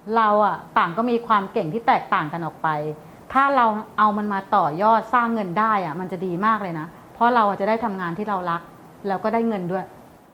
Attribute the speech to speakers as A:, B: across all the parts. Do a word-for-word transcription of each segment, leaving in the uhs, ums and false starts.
A: เราอะต่างก็มีความเก่งที่แตกต่างกันออกไปถ้าเราเอามันมาต่อยอดสร้างเงินได้อะมันจะดีมากเลยนะเพราะเราจะได้ทำงานที่เรารักแล้วก็ได้เงินด้วย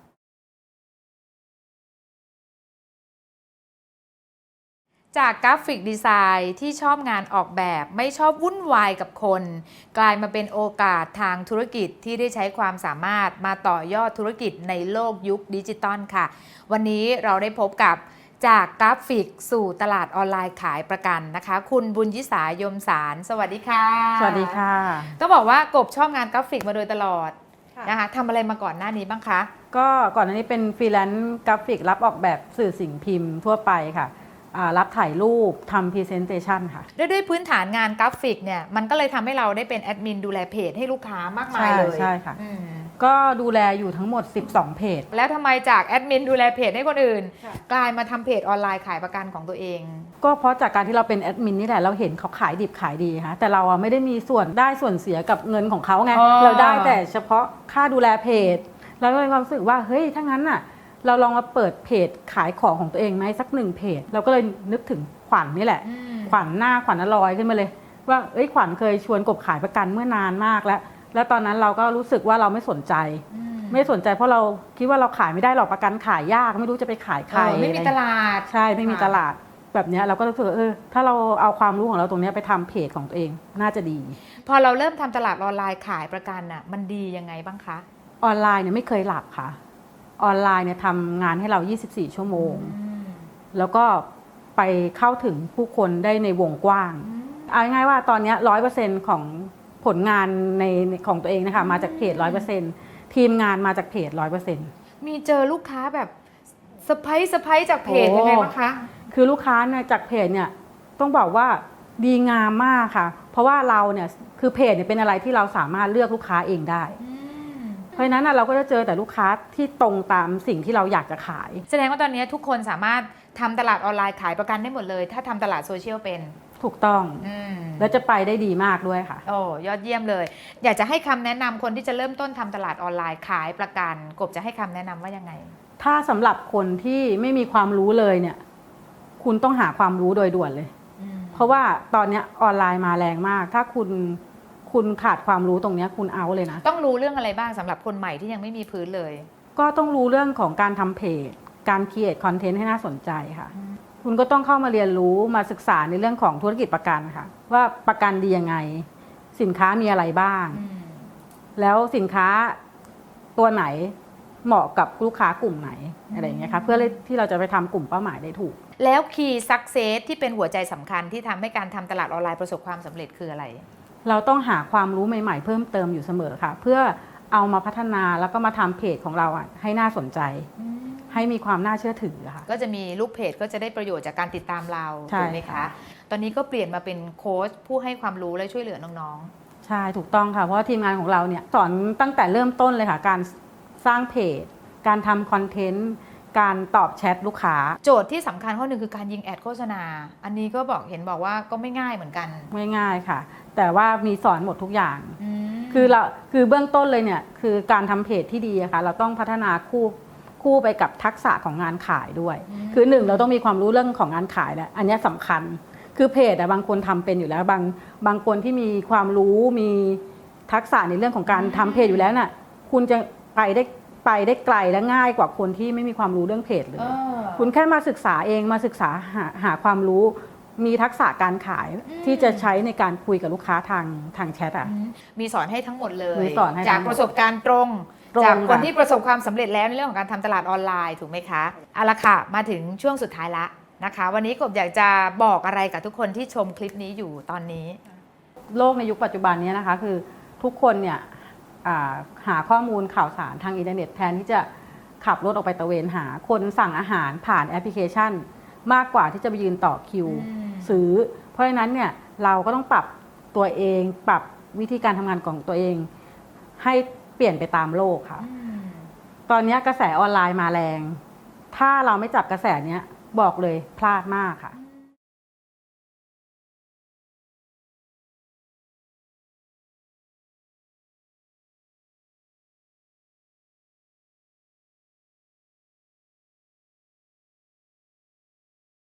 B: จากกราฟิกดีไซน์ที่ชอบงานออกแบบไม่ชอบวุ่นวายกับคนกลายมาเป็นโอกาสทางธุรกิจที่ได้ใช้ความสามารถมาต่อยอดธุรกิจในโลกยุคดิจิตอลค่ะวันนี้เราได้พบกับจากกราฟิกสู่ตลาดออนไลน์ขายประกันนะคะคุณบุญยิสายมสารสวัสดีค่ะ
A: สวัสดีค่ะ
B: ต้องบอกว่ากบชอบงานกราฟิกมาโดยตลอดนะคะทำอะไรมาก่อนหน้านี้บ้างคะ
A: ก็ก่อนหน้านี้เป็นฟรีแลนซ์กราฟิกรับออกแบบสื่อสิ่งพิมพ์ทั่วไปค่ะรับถ่ายรูปทำพรีเซนเตชันค่ะ
B: ด้วยด้วยพื้นฐานงานกราฟิกเนี่ยมันก็เลยทำให้เราได้เป็นแอดมินดูแลเพจให้ลูกค้ามากมายเลย
A: ใช่ค่ะก็ดูแลอยู่ทั้งหมดสิบสองเพจ
B: แล้วทำไมจากแอดมินดูแลเพจให้คนอื่นกลายมาทำเพจออนไลน์ขายประกันของตัวเอง
A: ก็เพราะจากการที่เราเป็นแอดมินนี่แหละเราเห็นเขาขายดิบขายดีค่ะแต่เราไม่ได้มีส่วนได้ส่วนเสียกับเงินของเขาไงเราได้แต่เฉพาะค่าดูแลเพจแล้วก็มีความรู้สึกว่าเฮ้ยถ้างั้นน่ะเราลองมาเปิดเพจขายของของตัวเองไหมสักหนึ่งเพจเราก็เลยนึกถึงขวัญ นี่แหละขวัญหน้าขวัญอลอยขึ้นมาเลยว่าเอ้ยขวัญเคยชวนกบขายประกันเมื่อนานมากแล้วแล้วตอนนั้นเราก็รู้สึกว่าเราไม่สนใจไม่สนใจเพราะเราคิดว่าเราขายไม่ได้หรอกประกันขายยากไม่รู้จะไปขายใคร
B: ไม่มีตลาด
A: ใช่ไม่มีตลาดแบบนี้เราก็รู้สึกเออถ้าเราเอาความรู้ของเราตรงนี้ไปทำเพจของตัวเองน่าจะดี
B: พอเราเริ่มทำตลาดออนไลน์ขายประกันน่ะมันดียังไงบ้างคะ
A: ออนไลน์เนี่ยไม่เคยหลับค่ะออนไลน์เนี่ยทำงานให้เรายี่สิบสี่ชั่วโมงแล้วก็ไปเข้าถึงผู้คนได้ในวงกว้างเอาง่ายๆว่าตอนนี้ร้อยเปอร์เซ็นต์ของผลงานในของตัวเองนะคะมาจากเพจร้อยเปอร์เซ็นต์ทีมงานมาจากเพจร้อยเปอร์เซ็นต์
B: มีเจอลูกค้าแบบเซอร์ไพรส์เซอร์ไพรส์จากเพจยังไงบ้างคะ
A: คือลูกค้าเนี่ยจากเพจเนี่ยต้องบอกว่าดีงามมากค่ะเพราะว่าเราเนี่ยคือเพจเนี่ยเป็นอะไรที่เราสามารถเลือกลูกค้าเองได้เพราะฉะนั้นเราก็จะเจอแต่ลูกค้าที่ตรงตามสิ่งที่เราอยากจะขาย
B: แสดงว่าตอนนี้ทุกคนสามารถทำตลาดออนไลน์ขายประกันได้หมดเลยถ้าทำตลาดโซเชียลเป็น
A: ถูกต้องแล้วจะไปได้ดีมากด้วยค่ะ
B: โอ้ยอดเยี่ยมเลยอยากจะให้คำแนะนำคนที่จะเริ่มต้นทำตลาดออนไลน์ขายประกันกบจะให้คำแนะนำว่ายังไง
A: ถ้าสำหรับคนที่ไม่มีความรู้เลยเนี่ยคุณต้องหาความรู้โดยด่วนเลยเพราะว่าตอนนี้ออนไลน์มาแรงมากถ้าคุณคุณขาดความรู้ตรงนี้คุณเอาเลยนะ
B: ต้องรู้เรื่องอะไรบ้างสำหรับคนใหม่ที่ยังไม่มีพื้นเลย
A: ก็ต้องรู้เรื่องของการทำเพจการครีเอทคอนเทนต์ให้น่าสนใจค่ะคุณก็ต้องเข้ามาเรียนรู้มาศึกษาในเรื่องของธุรกิจประกันค่ะว่าประกันดียังไงสินค้ามีอะไรบ้างแล้วสินค้าตัวไหนเหมาะกับลูกค้ากลุ่มไหนอะไรอย่างเงี้ยค่ะเพื่อที่เราจะไปทำกลุ่มเป้าหมายได้ถูก
B: แล้ว Key Success ที่เป็นหัวใจสำคัญที่ทำให้การทำตลาดออนไลน์ประสบความสำเร็จคืออะไร
A: เราต้องหาความรู้ใหม่ๆเพิ่มเติมอยู่เสมอค่ะเพื่อเอามาพัฒนาแล้วก็มาทำเพจของเราอ่ะให้น่าสนใจให้มีความน่าเชื่อถือค่ะ
B: ก็จะมีลูกเพจก็จะได้ประโยชน์จากการติดตามเราถูกไหมคะตอนนี้ก็เปลี่ยนมาเป็นโค้ชผู้ให้ความรู้และช่วยเหลือน้อง
A: ๆใช่ถูกต้องค่ะเพราะทีมงานของเราเนี่ยสอนตั้งแต่เริ่มต้นเลยค่ะการสร้างเพจการทำคอนเทนต์การตอบแชทลูกค้า
B: โจทย์ที่สำคัญข้อหนึ่งคือการยิงแอดโฆษณาอันนี้ก็บอกเห็นบอกว่าก็ไม่ง่ายเหมือนกัน
A: ไม่ง่ายค่ะแต่ว่ามีสอนหมดทุกอย่างคือเราคือเบื้องต้นเลยเนี่ยคือการทำเพจที่ดีอะค่ะเราต้องพัฒนาคู่คู่ไปกับทักษะของงานขายด้วยคือหนึ่งเราต้องมีความรู้เรื่องของงานขายแหละอันนี้สำคัญคือเพจอะบางคนทำเป็นอยู่แล้วบางบางคนที่มีความรู้มีทักษะในเรื่องของการทำเพจอยู่แล้วน่ะคุณจะไปได้ไปได้ไกลและง่ายกว่าคนที่ไม่มีความรู้เรื่องเพจเลยคุณแค่มาศึกษาเองมาศึกษาหาหาความรู้มีทักษะการขายที่จะใช้ในการคุยกับลูกค้าทางทางแชทอ่ะ
B: มีสอนให้ทั้งหมดเลย
A: จ
B: ากประสบการณ์ตรงจากคนที่ประสบความสำเร็จแล้วในเรื่องของการทำตลาดออนไลน์ถูกไหมคะเอาละค่ะมาถึงช่วงสุดท้ายละนะคะวันนี้กบอยากจะบอกอะไรกับทุกคนที่ชมคลิปนี้อยู่ตอนนี้
A: โลกในยุคปัจจุบันนี้นะคะคือทุกคนเนี่ยหาข้อมูลข่าวสารทางอินเทอร์เน็ตแทนที่จะขับรถออกไปตระเวนหาคนสั่งอาหารผ่านแอปพลิเคชันมากกว่าที่จะไปยืนต่อคิวซื้อเพราะฉะนั้นเนี่ยเราก็ต้องปรับตัวเองปรับวิธีการทำงานของตัวเองให้เปลี่ยนไปตามโลกค่ะตอนนี้กระแสออนไลน์มาแรงถ้าเราไม่จับกระแสนี้บอกเลยพลาดมากค่ะ